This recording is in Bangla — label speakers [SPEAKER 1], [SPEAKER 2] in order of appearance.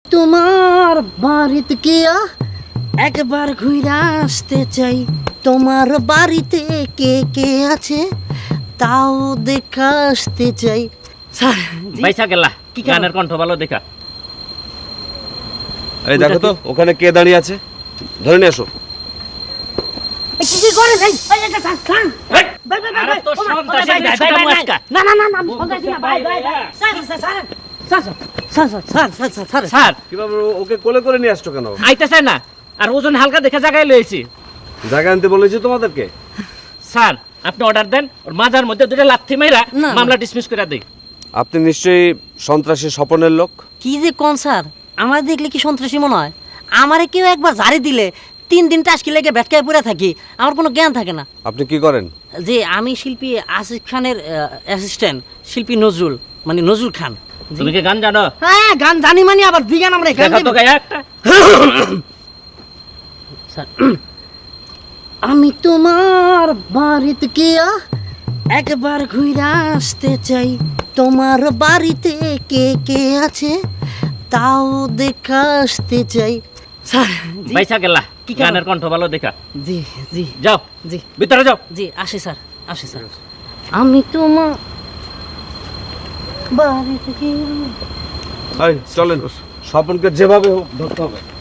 [SPEAKER 1] তোমার বাড়িতে গিয়া একবার ঘুরে আসতে চাই, তোমার বাড়িতে কে কে আছে তাও দেখা আসতে চাই। স্যার
[SPEAKER 2] পয়সা গেলা
[SPEAKER 1] কি
[SPEAKER 2] গানের কণ্ঠ ভালো দেখা।
[SPEAKER 3] এই দেখো তো ওখানে কে দাঁড়িয়ে আছে, ধরে নিয়ে আসো।
[SPEAKER 1] কি করে ভাই? ভাই ভাই ভাই
[SPEAKER 2] তো সন্ত্রাসী ছুটা মাস্কা।
[SPEAKER 1] না না না না সন্ত্রাসী না ভাই ভাই sir sir sir sir sir sir sir sir sir
[SPEAKER 2] sir
[SPEAKER 3] কিভাবে ওকে কোলে করে নিয়ে আসছো কেন?
[SPEAKER 2] আইতেছে না, আর ওজন হালকা দেখে জায়গায় লয়েছি।
[SPEAKER 3] জায়গা আনতে বলেছি তোমাদেরকে।
[SPEAKER 2] স্যার আপনি অর্ডার দেন, ওর মাজার মধ্যে দুটো লাথি মাইরা
[SPEAKER 1] না, না।
[SPEAKER 2] মামলা ডিসমিস করে দেই।
[SPEAKER 3] আপনি নিশ্চয়ই সন্ত্রাসী স্বপনের লোক।
[SPEAKER 1] কি যে কোন স্যার, আমার দেখলে কি সন্ত্রাসী মনে হয়? আমারে কেউ একবার ঝাড়ি দিলে 3 দিন টাসকি লেগে ভেটকায় পড়ে থাকি, আমার কোনো জ্ঞান থাকে না।
[SPEAKER 3] আপনি কি করেন?
[SPEAKER 1] যে আমি শিল্পী আসিফ খানের অ্যাসিস্ট্যান্ট, শিল্পী নজরুল, মানে নজরুল খান।
[SPEAKER 2] তুমি কি গান জানো?
[SPEAKER 1] হ্যাঁ গান জানি, মানে আবার দিগান আমরা গান
[SPEAKER 2] দেখা তো গায়ে একটা।
[SPEAKER 1] স্যার আমি তোমার বাড়িতে গিয়া একবার ঘুরে আসতে চাই, তোমার বাড়িতে কে কে আছে তাও দেখা আসতে চাই। স্যার জি
[SPEAKER 2] পয়সা গেলা
[SPEAKER 1] কি কারণ?
[SPEAKER 2] গানের কণ্ঠ ভালো দেখা।
[SPEAKER 1] জি জি
[SPEAKER 2] যাও
[SPEAKER 1] জি
[SPEAKER 2] ভিতরে যাও।
[SPEAKER 1] জি আসি স্যার, আসি স্যার। আমি তোমার বাড়িতে গিয়া
[SPEAKER 3] চলেন, স্বপনকে যেভাবে হোক ধরতে হবে।